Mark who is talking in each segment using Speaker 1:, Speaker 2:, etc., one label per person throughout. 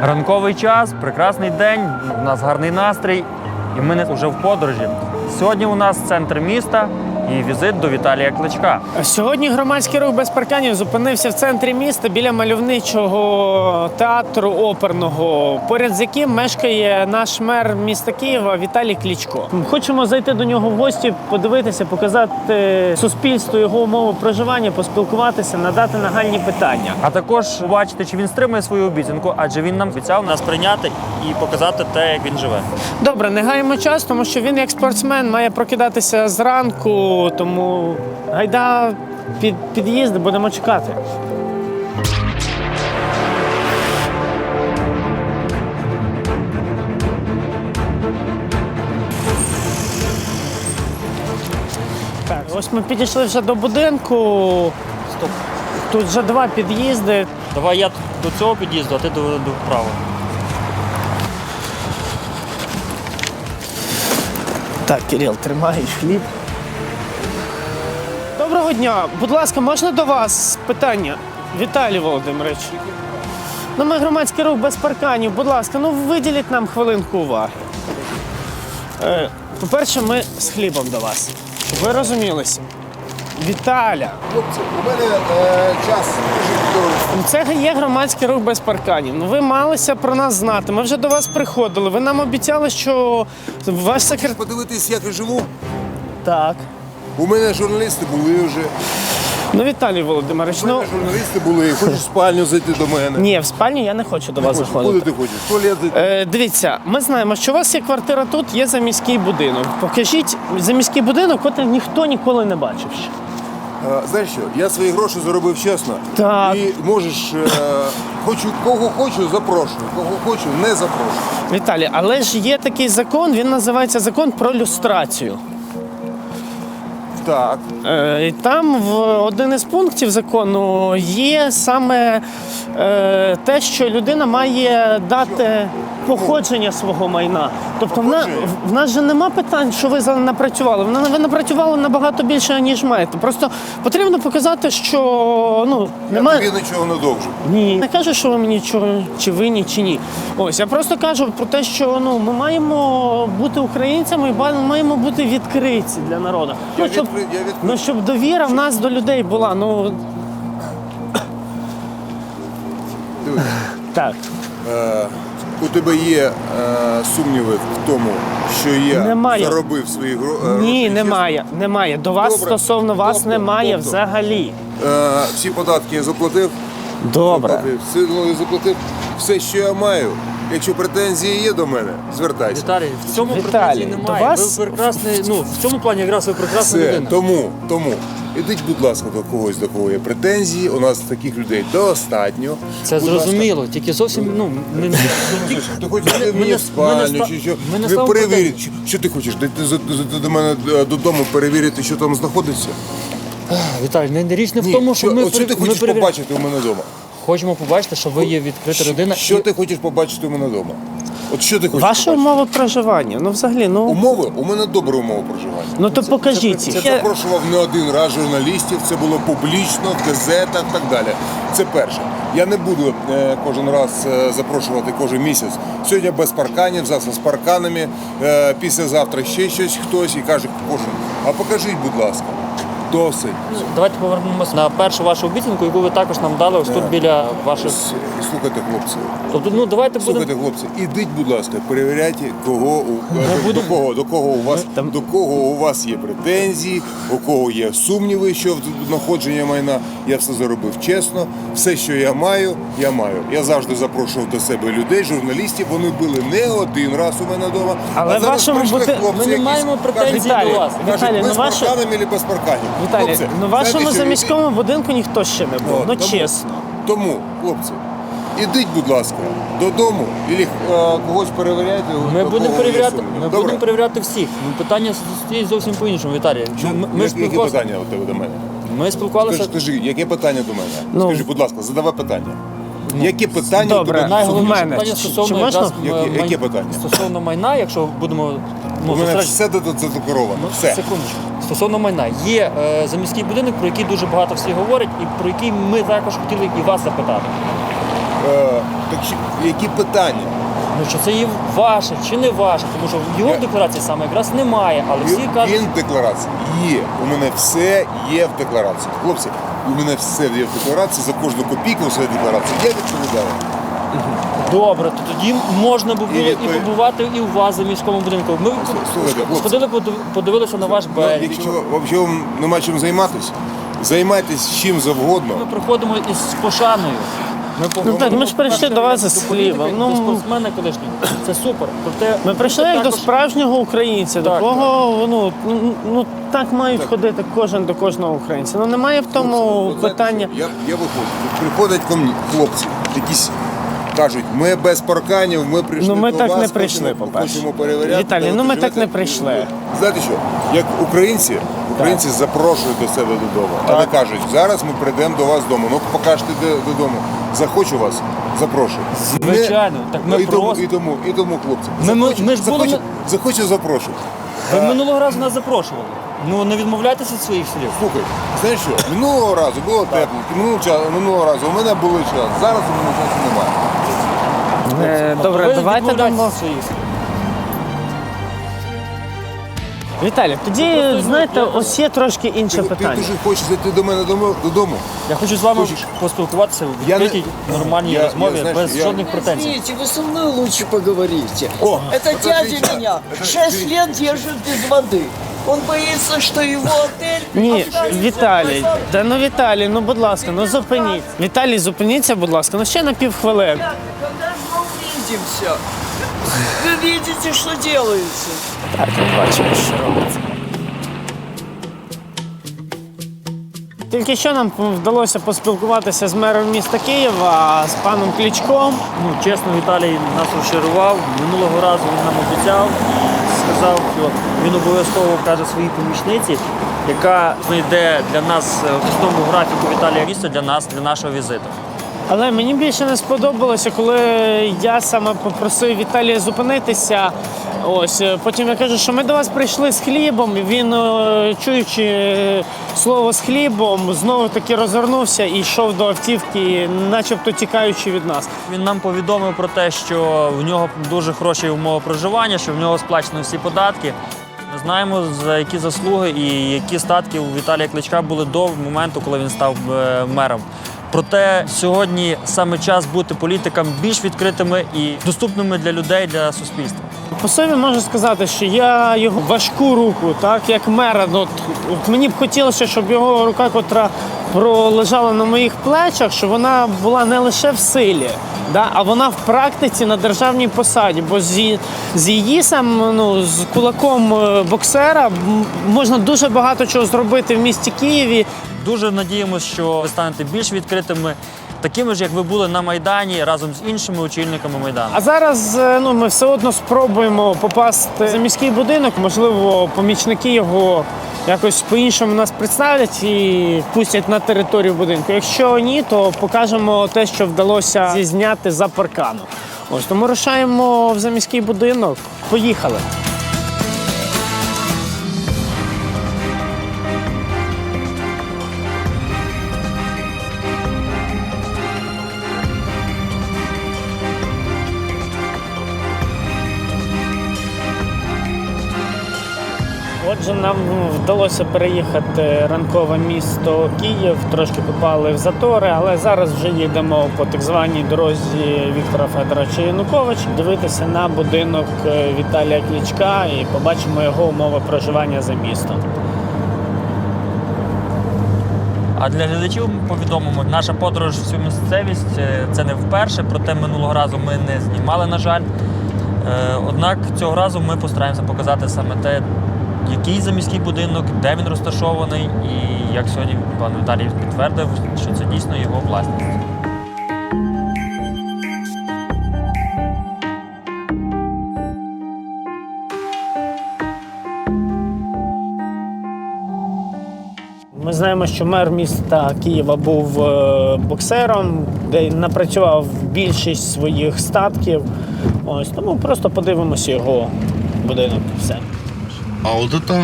Speaker 1: Ранковий час, прекрасний день, у нас гарний настрій, і ми вже в подорожі. Сьогодні у нас центр міста і візит до Віталія Кличка.
Speaker 2: Сьогодні громадський рух без парканів зупинився в центрі міста біля мальовничого театру оперного, поряд з яким мешкає наш мер міста Києва Віталій Кличко. Хочемо зайти до нього в гості, подивитися, показати суспільству його умови проживання, поспілкуватися, надати нагальні питання.
Speaker 1: А також побачити, чи він стримує свою обіцянку, адже він нам обіцяв нас прийняти і показати те, як він живе.
Speaker 2: Добре, не гаємо час, тому що він як спортсмен має прокидатися зранку, тому гайда під під'їзд, будемо чекати. Так, ось ми підійшли вже до будинку.
Speaker 1: Стоп.
Speaker 2: Тут вже два під'їзди.
Speaker 1: Давай я до цього під'їзду, а ти до вправо.
Speaker 2: Так, Кирил, тримаєш хліб. Доброго дня. Будь ласка, можна до вас питання? Віталій Володимирович. Ну, ми громадський рух без парканів. Будь ласка, ну виділіть нам хвилинку уваги. По-перше, ми з хлібом до вас. Щоб ви розумілися. Віталя.
Speaker 3: Хлопці, у мене час дуже
Speaker 2: Це є громадський рух без парканів. Ну, ви малися про нас знати. Ми вже до вас приходили. Ви нам обіцяли, що ваш секретар...
Speaker 3: подивитись, як я живу.
Speaker 2: Так.
Speaker 3: У мене журналісти були вже.
Speaker 2: Ну, Віталій Володимирович,
Speaker 3: У мене журналісти були. Хочеш в спальню зайти до мене?
Speaker 2: Ні, в спальню я не хочу до вас
Speaker 3: Хочеш,
Speaker 2: заходити.
Speaker 3: куди ти хочеш? В туалет зайти?
Speaker 2: Дивіться, ми знаємо, що у вас є квартира тут, є заміський будинок. Покажіть заміський будинок, який ніхто ніколи не бачив ще.
Speaker 3: Знаєш що, я свої гроші заробив чесно.
Speaker 2: Так.
Speaker 3: І можеш, кого хочу, запрошую. Кого хочу, не запрошую.
Speaker 2: Віталій, але ж є такий закон, він називається закон про люстрацію.
Speaker 3: Так.
Speaker 2: І там в один із пунктів закону є саме те, що людина має дати походження свого майна. Тобто в нас же нема питань, що ви напрацювали. Ви напрацювали набагато більше, ніж маєте. Просто потрібно показати, що немає...
Speaker 3: Я тобі нічого не довжу.
Speaker 2: Ні, не кажу, що ви мені нічого, чи винні, чи ні. Ось, я просто кажу про те, що ми маємо бути українцями і маємо бути відкриті для народу.
Speaker 3: Я відкритий.
Speaker 2: Щоб довіра в нас до людей була.
Speaker 3: Дивись.
Speaker 2: Так.
Speaker 3: У тебе є сумніви в тому, що я
Speaker 2: Немає.
Speaker 3: заробив свої гроші?
Speaker 2: Ні, немає. До вас
Speaker 3: Добре.
Speaker 2: стосовно вас
Speaker 3: Тобто,
Speaker 2: немає взагалі.
Speaker 3: Всі податки я заплатив.
Speaker 2: Добре.
Speaker 3: Я заплатив все, що я маю. Якщо претензії є до мене, звертайся.
Speaker 1: Віталій, в цьому
Speaker 2: Віталій,
Speaker 1: претензій
Speaker 2: до
Speaker 1: немає.
Speaker 2: вас-
Speaker 1: Ви прекрасний, в цьому плані якраз ви прекрасна
Speaker 3: Все,
Speaker 1: людина.
Speaker 3: тому. Ідіть, будь ласка, до когось, до кого є претензії. У нас таких людей достатньо.
Speaker 1: Це
Speaker 3: Будь ласка.
Speaker 1: зрозуміло, тільки зовсім,
Speaker 3: Ти хочеш йти мені в спальню, чи що?
Speaker 1: ми не
Speaker 3: Ви
Speaker 1: ставимо
Speaker 3: перевіріть, що ти хочеш? Дійти до мене додому, перевірити, що там знаходиться?
Speaker 1: Віталій, річ не в
Speaker 3: Ні,
Speaker 1: тому, що ми
Speaker 3: от що ти хочеш побачити у мене вдома?
Speaker 1: Хочемо побачити, що ви є відкрита людина.
Speaker 3: Що ти хочеш побачити у мене вдома? От що ти хочеш
Speaker 2: Ваші
Speaker 3: побачити?
Speaker 2: умови проживання. Взагалі,
Speaker 3: Умови? У мене добра умова проживання.
Speaker 2: то покажіть їх.
Speaker 3: Я запрошував не один раз журналістів, це було публічно, в газетах і так далі. Це перше. Я не буду кожен раз запрошувати кожен місяць. Сьогодні без парканів, завтра з парканами, післязавтра ще щось хтось і каже кожен. А покажіть, будь ласка. Досить.
Speaker 1: Давайте повернемося на першу вашу обіцянку, яку ви також нам дали ось тут біля ваших...
Speaker 3: Слухайте, хлопці.
Speaker 1: Тобто, давайте будемо...
Speaker 3: Слухайте, хлопці, ідіть, будь ласка, перевіряйте, до кого у вас є претензії, у кого є сумніви щодо знаходження майна. Я все заробив чесно. Все, що я маю, я маю. Я завжди запрошував до себе людей, журналістів. Вони були не один раз у мене вдома.
Speaker 2: Але
Speaker 3: а зараз
Speaker 2: вашому
Speaker 3: прийшли
Speaker 2: бути-
Speaker 3: хлопці,
Speaker 1: Ми не
Speaker 3: якісь,
Speaker 1: маємо претензій
Speaker 3: кажуть,
Speaker 1: до вас.
Speaker 2: Віталій,
Speaker 3: без
Speaker 2: ваше-
Speaker 3: парканами чи без парканів.
Speaker 2: Віталій,
Speaker 3: Хлопці,
Speaker 2: в вашому
Speaker 3: знаєте, що
Speaker 2: заміському будинку ніхто ще не був.
Speaker 3: Тому-
Speaker 2: Чесно.
Speaker 3: Тому, хлопці, ідіть, будь ласка, додому, або когось перевіряйте.
Speaker 1: Ми
Speaker 3: до
Speaker 1: будемо
Speaker 3: кого є
Speaker 1: перевіряти,
Speaker 3: сумніви.
Speaker 1: ми
Speaker 3: Добре?
Speaker 1: будемо перевіряти всіх. Питання стоїть зовсім по-іншому, Віталій. Ми
Speaker 3: Які питання у тебе до мене?
Speaker 1: Ми спілкувалися...
Speaker 3: Скажи, яке питання до мене? Скажи, будь ласка, задавай питання. Які питання
Speaker 2: Добре.
Speaker 3: до мене?
Speaker 1: Найголовніше
Speaker 2: в мене.
Speaker 1: питання
Speaker 2: Чи
Speaker 1: стосовно
Speaker 2: можна?
Speaker 1: якраз
Speaker 3: Яке питання?
Speaker 1: Стосовно майна, якщо будемо...
Speaker 3: У мене
Speaker 1: зустріч-
Speaker 3: все задекларовано. Все.
Speaker 1: Секундочку. Стосовно майна. Є заміський будинок, про який дуже багато всі говорять, і про який ми також хотіли і вас запитати.
Speaker 3: Так які питання?
Speaker 1: Ну, що це є ваше чи не ваше, тому що його в декларації саме якраз немає, але всі кажуть,
Speaker 3: Він в декларації є. У мене все є в декларації. Хлопці, у мене все є в декларації, за кожну копійку у своїй декларації. Я відповідаю.
Speaker 1: добре, то тоді можна було і побувати і у вас за міському будинку. Ми
Speaker 3: Слухайте, хлопці.
Speaker 1: сходили, подивилися на ваш берег.
Speaker 3: Якщо вам нема чим займатися, займайтесь чим завгодно.
Speaker 1: Ми приходимо із пошаною.
Speaker 2: Ну так, ми ж прийшли до вас із хлібом.
Speaker 1: До спортсмена колишнього. Це супер. Проте
Speaker 2: Ми прийшли як до справжнього українця, до
Speaker 1: Так,
Speaker 2: кого ну так мають ходити кожен до кожного українця. Ну немає в тому
Speaker 3: От знаєте
Speaker 2: питання.
Speaker 3: що? Я виходжу. Приходять ко мені хлопці, якісь кажуть, ми без парканів, ми прийшли
Speaker 2: Ну, ми
Speaker 3: до
Speaker 2: так
Speaker 3: вас,
Speaker 2: не прийшли,
Speaker 3: хочемо
Speaker 2: по-перше.
Speaker 3: перевіряти.
Speaker 2: Віталій,
Speaker 3: де
Speaker 2: ну
Speaker 3: ви
Speaker 2: ми так
Speaker 3: живете.
Speaker 2: не прийшли.
Speaker 3: Знаєте що, як українці запрошують до себе додому, але кажуть, зараз ми прийдемо до вас додому. Ну покажете додому. Захочу вас, запрошую.
Speaker 1: Звичайно, так ми
Speaker 3: і тому,
Speaker 1: просто-
Speaker 3: і тому, хлопці.
Speaker 1: Ми ж були-
Speaker 3: захочу, запрошую.
Speaker 1: ви минулого разу нас запрошували. Ну не відмовляйтеся від своїх слів.
Speaker 3: Слухай, знаєш що, минулого разу було тепло, минулого разу у мене були час, зараз у мене часу немає.
Speaker 2: Добре,
Speaker 1: Ви
Speaker 2: давайте
Speaker 1: відмовляєтеся
Speaker 2: дамо.
Speaker 1: від своїх слів.
Speaker 2: Віталій, тоді, знаєте, ось є трошки інше
Speaker 3: Ти
Speaker 2: питання.
Speaker 3: дуже хочеш зайти до мене додому?
Speaker 1: Я хочу з вами
Speaker 3: Хочеш?
Speaker 1: поспілкуватися в
Speaker 3: Я не-
Speaker 1: відкритій нормальній
Speaker 3: Я-
Speaker 1: розмові
Speaker 3: знаєш,
Speaker 1: без
Speaker 3: я-
Speaker 1: жодних претензій.
Speaker 4: Извините, вы со мной лучше поговорите.
Speaker 3: О,
Speaker 4: Это
Speaker 3: подождите.
Speaker 4: дядя меня 6 лет держит без воды. Он боится, что его отель...
Speaker 2: Ні,
Speaker 4: останется
Speaker 2: Віталій,
Speaker 4: без воды.
Speaker 2: та ну Віталій, ну будь ласка, ну зупиніть. Віталій, зупиніться, будь ласка, ну ще на півхвилини.
Speaker 4: Ребята, когда же мы увидимся? Вы видите, что делается.
Speaker 2: Так, ми бачимо, що робиться. Тільки що нам вдалося поспілкуватися з мером міста Києва, з паном Кличком.
Speaker 1: Ну, чесно, Віталій нас розчарував. Минулого разу він нам обіцяв і сказав, що він обов'язково каже своїй помічниці, яка знайде для нас в основному графіку Віталія місце для нас, для нашого візиту.
Speaker 2: Але мені більше не сподобалося, коли я саме попросив Віталія зупинитися. Ось потім я кажу, що ми до вас прийшли з хлібом. І він, чуючи слово з хлібом, знову таки розвернувся і йшов до автівки, начебто тікаючи від нас.
Speaker 1: Він нам повідомив про те, що в нього дуже хороші умови проживання, що в нього сплачено всі податки. Ми знаємо, за які заслуги і які статки у Віталія Кличка були до моменту, коли він став мером. Проте сьогодні саме час бути політикам більш відкритими і доступними для людей, для суспільства.
Speaker 2: По собі можу сказати, що я його важку руку, так як мера, от мені б хотілося, щоб його рука, котра пролежала на моїх плечах, щоб вона була не лише в силі, да, а вона в практиці на державній посаді. Бо з її з кулаком боксера можна дуже багато чого зробити в місті Києві.
Speaker 1: Дуже надіємося, що ви станете більш відкритими, такими ж, як ви були на Майдані, разом з іншими очільниками Майдану.
Speaker 2: А зараз ми все одно спробуємо попасти за міський будинок. Можливо, помічники його якось по-іншому нас представлять і пустять на територію будинку. Якщо ні, то покажемо те, що вдалося зізняти за парканом. Ось тому рушаємо в заміський будинок. Поїхали. Отже, нам вдалося переїхати ранкове місто Київ, трошки попали в затори, але зараз вже їдемо по так званій дорозі Віктора Федоровича Януковича дивитися на будинок Віталія Кличка і побачимо його умови проживання за містом.
Speaker 1: А для глядачів ми повідомимо, наша подорож в цю місцевість це не вперше, проте минулого разу ми не знімали, на жаль. Однак цього разу ми постараємося показати саме те, який заміський будинок, де він розташований і як сьогодні пан Віталій підтвердив, що це дійсно його власність.
Speaker 2: Ми знаємо, що мер міста Києва був боксером, де напрацював більшість своїх статків. Ось тому просто подивимося його будинок. Все.
Speaker 5: А от это...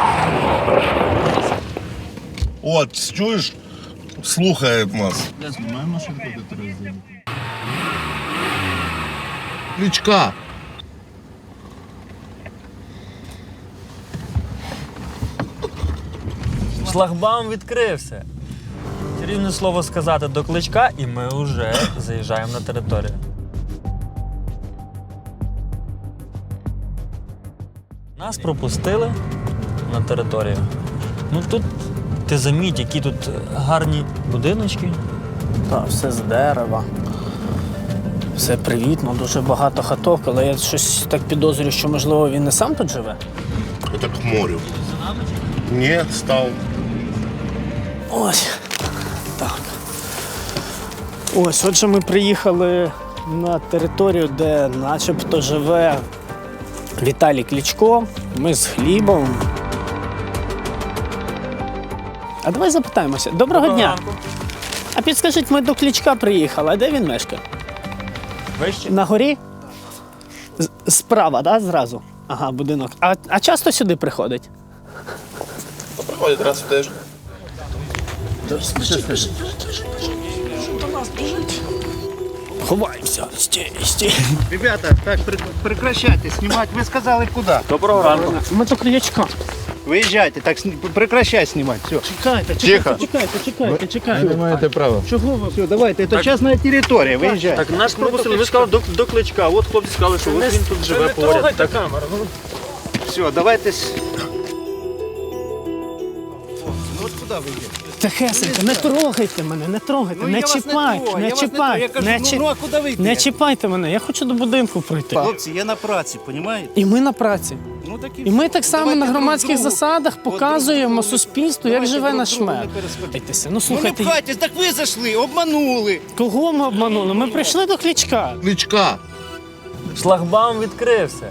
Speaker 5: От, чуєш? Слухає нас.
Speaker 6: Я знімаю машинку, яку ти розділив.
Speaker 5: Кличка.
Speaker 1: Шлагбаум відкрився. Рівне слово сказати до Кличка, і ми вже заїжджаємо на територію. Нас пропустили на територію. Ну тут ти заміть, які тут гарні будиночки.
Speaker 2: Так, все з дерева. Все привітно, дуже багато хаток, але я щось так підозрюю, що, можливо, він не сам тут живе.
Speaker 5: Это к морю. Нет, стал.
Speaker 2: Ось. Так. Ось, отже, ми приїхали на територію, де начебто живе Віталій Кличко. Ми з хлібом. А давай запитаємося. Доброго дня.
Speaker 1: ранку.
Speaker 2: А підскажіть, ми до Кличка приїхали, а де він мешкає?
Speaker 1: Вище?
Speaker 2: На горі? Справа, так, зразу? Ага, будинок. А часто сюди приходить?
Speaker 5: Приходит раз в тиждень.
Speaker 2: Ховаємося. Стій.
Speaker 6: Ребята, так, прекращайте снимать. Вы сказали куда?
Speaker 1: Доброго ранку.
Speaker 2: Ми до Кличка.
Speaker 6: Выезжайте, так прекращай снимать. Все.
Speaker 2: Чекайте.
Speaker 5: Не маєте права.
Speaker 2: Чого ви?
Speaker 6: Все, давайте, это частная территория, выезжайте.
Speaker 1: Так нас пропустили, ми сказали до Кличка. От хлопці сказали, що от він тут живе поряд. Так,
Speaker 2: камеру.
Speaker 6: Все, давайте. Ну вот куда вы едете?
Speaker 2: Тихесенько, не трогайте мене, не трогайте, не чіпайте, не чіпайте,
Speaker 6: Я кажу, ну а куда вы
Speaker 2: не
Speaker 6: идете?
Speaker 2: чіпайте мене, я хочу до будинку пройти.
Speaker 6: Хлопці, я на праці, понимаете?
Speaker 2: І ми на праці.
Speaker 6: Ну, так
Speaker 2: І ми так само
Speaker 6: Давайте
Speaker 2: на
Speaker 6: друг
Speaker 2: громадських
Speaker 6: другу.
Speaker 2: засадах показуємо суспільству, як
Speaker 6: Давайте
Speaker 2: живе
Speaker 6: друг
Speaker 2: наш
Speaker 6: другу
Speaker 2: мер.
Speaker 6: не перешкоджайте.
Speaker 2: Ну
Speaker 6: Ну не
Speaker 2: слухайте,
Speaker 6: пхайтесь, так ви зайшли, обманули.
Speaker 2: кого ми обманули? Ми прийшли до Кличка.
Speaker 5: Кличка.
Speaker 1: Шлагбаум відкрився.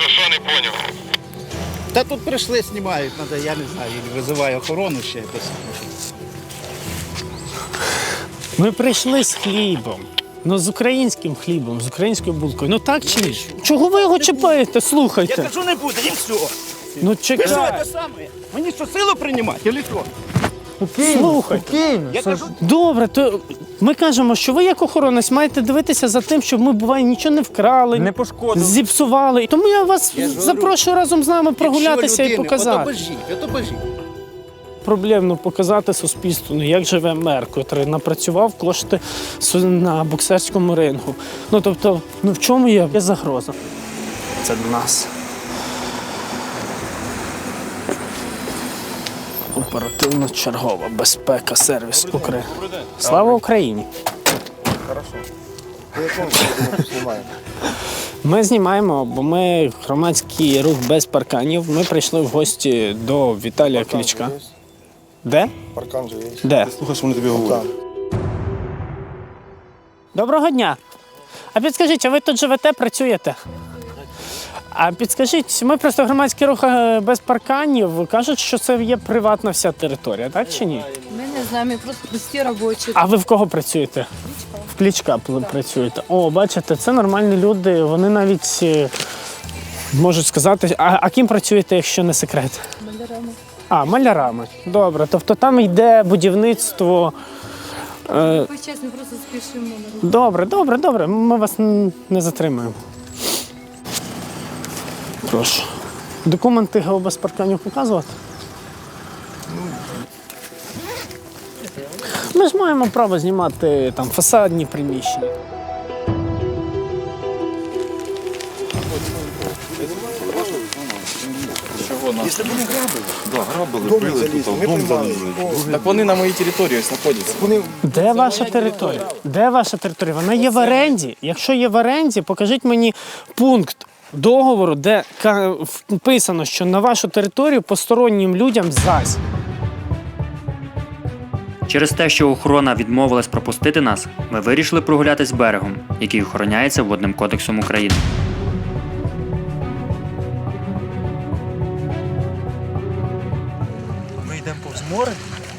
Speaker 6: Та тут прийшли, знімають, надо, я не знаю, или визиваю охорону ще. якось.
Speaker 2: Ми прийшли з хлібом. Ну, з українським хлібом, з українською булкою. Ну так чи ні? Чого ви його чіпаєте?
Speaker 6: Я
Speaker 2: Слухайте.
Speaker 6: кажу, не буде, і все.
Speaker 2: Ну
Speaker 6: Ви що,
Speaker 2: чекай.
Speaker 6: це саме? Мені що, силу приймати, или що?
Speaker 2: Слухайте.
Speaker 6: Я кажу,
Speaker 2: Добре, то ми кажемо, що ви як охоронець маєте дивитися за тим, щоб ми, буває, нічого не вкрали,
Speaker 1: Не пошкодили.
Speaker 2: зіпсували. Тому я вас запрошую разом з нами прогулятися і показати.
Speaker 6: Ото божіть.
Speaker 2: Проблемно показати суспільству, ну, як живе мер, котрий напрацював кошти на боксерському рингу. Ну тобто, ну в чому є загроза? Це до нас. Оперативно-чергова безпека, сервіс України. Слава Україні! Ми знімаємо, бо ми громадський рух без парканів. Ми прийшли в гості до Віталія Кличка. Де?
Speaker 7: Паркан же є.
Speaker 2: Де?
Speaker 7: Слухай, що вони тобі говорять.
Speaker 2: Доброго дня. А підскажіть, а ви тут живете, працюєте? А підскажіть, ми просто громадський рух без парканів. Кажуть, що це є приватна вся територія, так чи ні?
Speaker 8: Ми не знаємо, ми просто прості робочі.
Speaker 2: А ви в кого працюєте? В Кличка працюєте. О, бачите, це нормальні люди. Вони навіть можуть сказати, а ким працюєте, якщо не секрет?
Speaker 8: Малярами.
Speaker 2: А, малярами. Добре. Тобто там йде будівництво.
Speaker 8: Весь час ми просто спішимо.
Speaker 2: Добре. Ми вас не затримаємо. Прошу. Документи ГО без парканів показувати? Ми ж маємо право знімати там фасадні приміщення.
Speaker 7: Так вони на моїй території знаходяться. Вони
Speaker 2: Де ваша територія? Де ваша територія? Вона є в оренді. Якщо є в оренді, покажіть мені пункт договору, де вписано, що на вашу територію постороннім людям зась.
Speaker 9: Через те, що охорона відмовилась пропустити нас, ми вирішили прогулятись берегом, який охороняється Водним кодексом України.
Speaker 1: Ми йдемо повз море.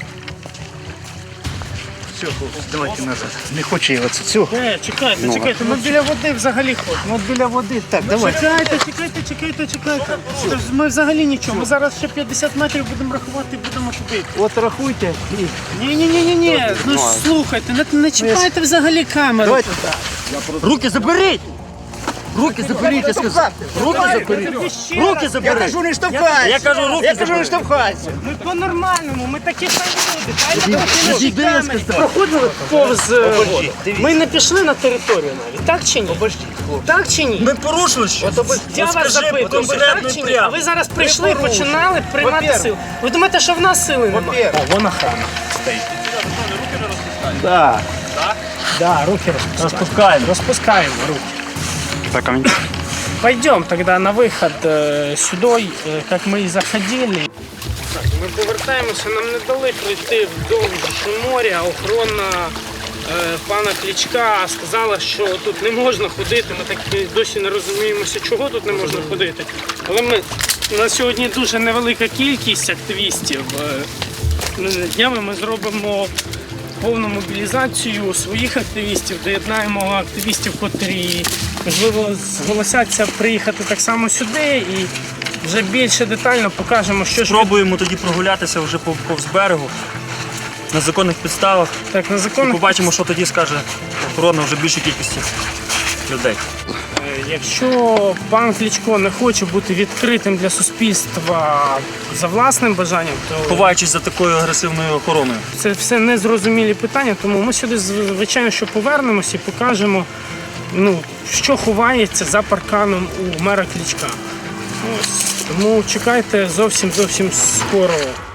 Speaker 6: Все, давайте назад. Не хочу я оце. Все.
Speaker 2: Чекайте, ми біля води взагалі ходимо.
Speaker 6: Ну от біля води. Так, давай.
Speaker 2: Чекайте. Ми взагалі нічого. Ми зараз ще 50 метрів будемо рахувати і будемо купити.
Speaker 6: От рахуйте.
Speaker 2: Ні. Ну слухайте, не чіпайте взагалі камеру.
Speaker 6: Давайте. Руки заберіть!
Speaker 4: Руки заберіть, я сказав. Руки заберіть. Руки заберіть. Я кажу, не штовхайся.
Speaker 1: Я кажу, руки
Speaker 4: Я кажу, не
Speaker 1: заберіть.
Speaker 4: штовхайся.
Speaker 2: Ми по-нормальному, ми такі самі люди.
Speaker 4: Підійди, я сказав.
Speaker 2: Проходили повз воду. Ми не пішли на територію навіть. Так чи ні? Так чи ні?
Speaker 1: Ми порушили що?
Speaker 2: Я вас запитую, так чи ні? А ви зараз прийшли, починали приймати силу. Ви думаєте, що в нас сили немає? Вон охрана стоїть. Так. Да, руки
Speaker 1: Розпускаємо.
Speaker 2: распускаем руки.
Speaker 9: Так, а
Speaker 2: Пойдем тогда на выход сюда, как мы и заходили. Так, ми повертаємося, нам не дали пройти вдовж моря. Охорона пана Кличка сказала, що тут не можна ходити. Ми так і досі не розуміємося, чого тут не можна ходити. Але на сьогодні дуже невелика кількість активістів. Днями ми зробимо повну мобілізацію своїх активістів, доєднаємо активістів, котрі, можливо, зголосяться приїхати так само сюди і вже більше детально покажемо, що ж
Speaker 1: Пробуємо тоді прогулятися вже повз берегу на законних підставах.
Speaker 2: так на
Speaker 1: І
Speaker 2: законах.
Speaker 1: побачимо, що тоді скаже охорона вже більшій кількості людей.
Speaker 2: Якщо пан Кличко не хоче бути відкритим для суспільства за власним бажанням, то
Speaker 1: Ховаючись за такою агресивною охороною.
Speaker 2: це все незрозумілі питання, тому ми сюди, звичайно, що повернемося і покажемо, що ховається за парканом у мера Кличка. Ось. Тому чекайте зовсім скоро